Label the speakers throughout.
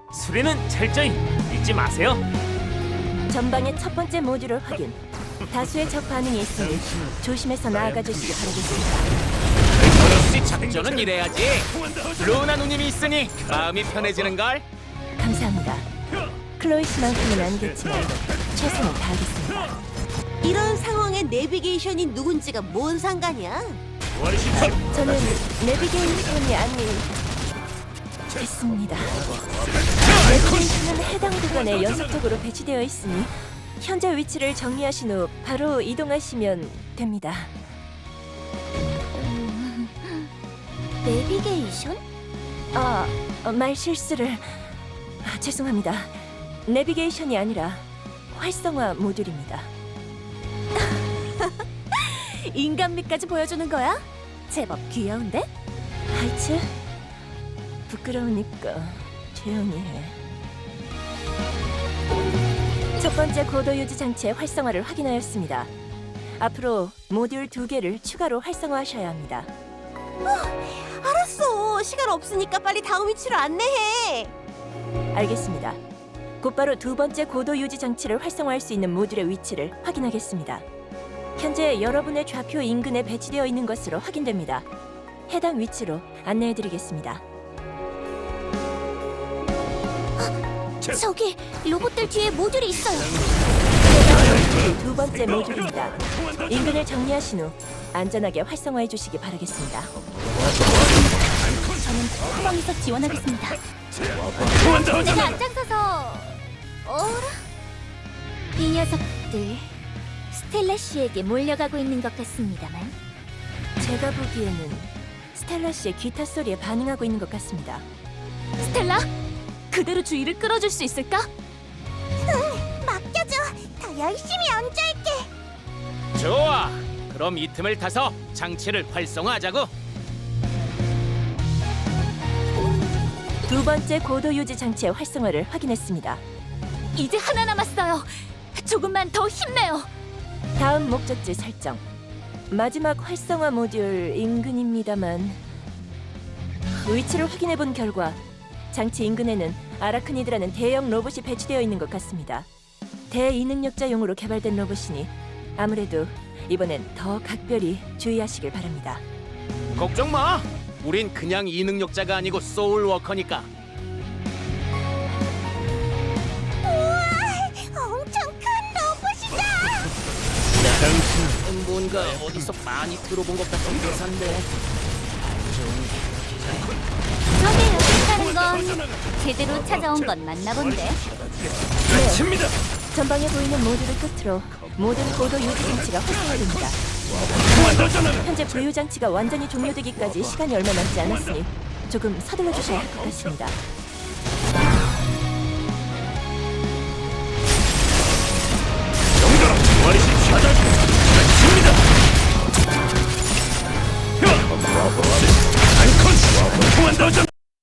Speaker 1: 수리는 철저히 잊지 마세요.
Speaker 2: 전방의 첫 번째 모듈을 확인. 다수의 적 반응이 있으니 조심해서 나아가 주시기 바라겠습니다.
Speaker 3: 역시 작전은 이래야지. 루나 누님이 있으니 마음이 편해지는걸.
Speaker 2: 감사합니다. 클로이 씨만큼은 아니겠지만 최선을 다하겠습니다.
Speaker 4: 이런 상황에 내비게이션이 누군지가 뭔 상관이야?
Speaker 2: 저는 내비게이션이 아닌 됐습니다. 내비게이션은 해당 구간에 연속적으로 배치되어 있으니 현재 위치를 정리하신 후 바로 이동하시면 됩니다.
Speaker 4: 내비게이션?
Speaker 2: 말 실수를 죄송합니다. 내비게이션이 아니라 활성화 모듈입니다.
Speaker 4: 인간미까지 보여주는 거야? 제법 귀여운데?
Speaker 2: 하이츠? 부끄러우니까 조용히 해. 첫 번째 고도 유지 장치의 활성화를 확인하였습니다. 앞으로 모듈 2개를 추가로 활성화하셔야 합니다.
Speaker 4: 알았어. 시간 없으니까 빨리 다음 위치로 안내해.
Speaker 2: 알겠습니다. 곧바로 두 번째 고도 유지 장치를 활성화할 수 있는 모듈의 위치를 확인하겠습니다. 현재 여러분의 좌표 인근에 배치되어 있는 것으로 확인됩니다. 해당 위치로 안내해드리겠습니다.
Speaker 4: 저기 로봇들 뒤에 모듈이 있어요.
Speaker 2: 두 번째 모듈입니다. 인근을 정리하신 후 안전하게 활성화해 주시기 바라겠습니다.
Speaker 4: 저는 후방에서 지원하겠습니다. 내가 앞장서서 어라? 이 녀석들 스텔라 씨에게 몰려가고 있는 것 같습니다만.
Speaker 2: 제가 보기에는 스텔라 씨의 기타 소리에 반응하고 있는 것 같습니다.
Speaker 4: 스텔라? 그대로 주의를 끌어줄 수 있을까? 응, 맡겨줘. 더 열심히 연주할게.
Speaker 3: 좋아. 그럼 이 틈을 타서 장치를 활성화하자고.
Speaker 2: 두 번째 고도 유지 장치의 활성화를 확인했습니다.
Speaker 4: 이제 하나 남았어요. 조금만 더 힘내요.
Speaker 2: 다음 목적지 설정. 마지막 활성화 모듈 인근입니다만 위치를 확인해 본 결과 장치 인근에는 아라크니드라는 대형 로봇이 배치되어 있는 것 같습니다. 대이능력자용으로 개발된 로봇이니 아무래도 이번엔 더 각별히 주의하시길 바랍니다.
Speaker 3: 걱정 마. 우린 그냥 이능력자가 아니고 소울워커니까.
Speaker 4: 엄청 큰 로봇이다.
Speaker 3: 뭔가 어디서 많이 들어본 것 같은 대사인데.
Speaker 4: 저게 여기 있다는 건 제대로 찾아온 건 맞나 본데.
Speaker 1: 칩니다.
Speaker 2: 전방에 보이는 모듈을 끝으로 모든 고도 유지 장치가 활성화됩니다. 현재 부유 장치가 완전히 종료되기까지 시간이 얼마 남지 않았으니 조금 서둘러 주셔야 할 것 같습니다.
Speaker 1: 정도로 말이십시오. 칩니다. 안콘 통한다.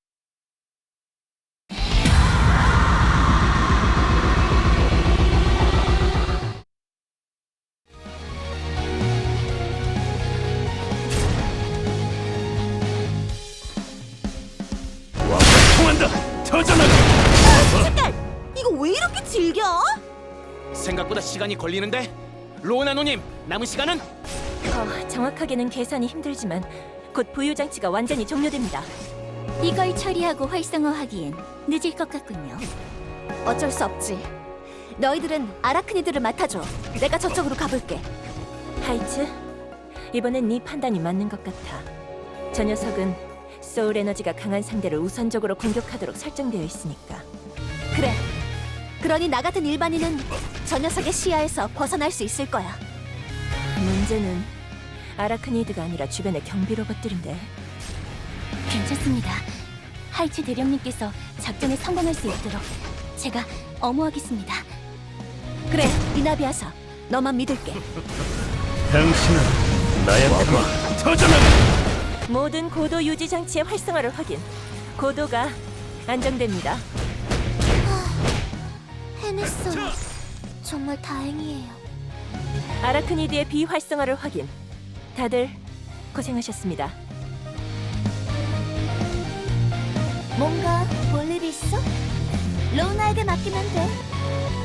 Speaker 1: 통한다. 터져나가.
Speaker 4: 잠깐! 이거 왜 이렇게 질겨?
Speaker 3: 생각보다 시간이 걸리는데. 로나 누님, 남은 시간은?
Speaker 2: 정확하게는 계산이 힘들지만 곧 부유 장치가 완전히 종료됩니다.
Speaker 4: 이걸 처리하고 활성화하기엔 늦을 것 같군요. 어쩔 수 없지. 너희들은 아라크니드를 맡아줘. 내가 저쪽으로 가볼게.
Speaker 2: 하이츠, 이번엔 네 판단이 맞는 것 같아. 저 녀석은 소울 에너지가 강한 상대를 우선적으로 공격하도록 설정되어 있으니까.
Speaker 4: 그래. 그러니 나 같은 일반인은 저 녀석의 시야에서 벗어날 수 있을 거야.
Speaker 2: 문제는 아라크니드가 아니라 주변의 경비 로봇들인데.
Speaker 4: 괜찮습니다. 하이츠 대령님께서 작전에 성공할 수 있도록 제가 어모하겠습니다. 그래, 이나비아사, 너만 믿을게.
Speaker 1: 당신은 나의 터져나가.
Speaker 2: 모든 고도 유지 장치의 활성화를 확인. 고도가 안정됩니다.
Speaker 4: 해냈어요. 정말 다행이에요.
Speaker 2: 아라크니드의 비활성화를 확인. 다들 고생하셨습니다.
Speaker 4: 뭔가 볼 일 있어? 로우나에게 맡기면 돼.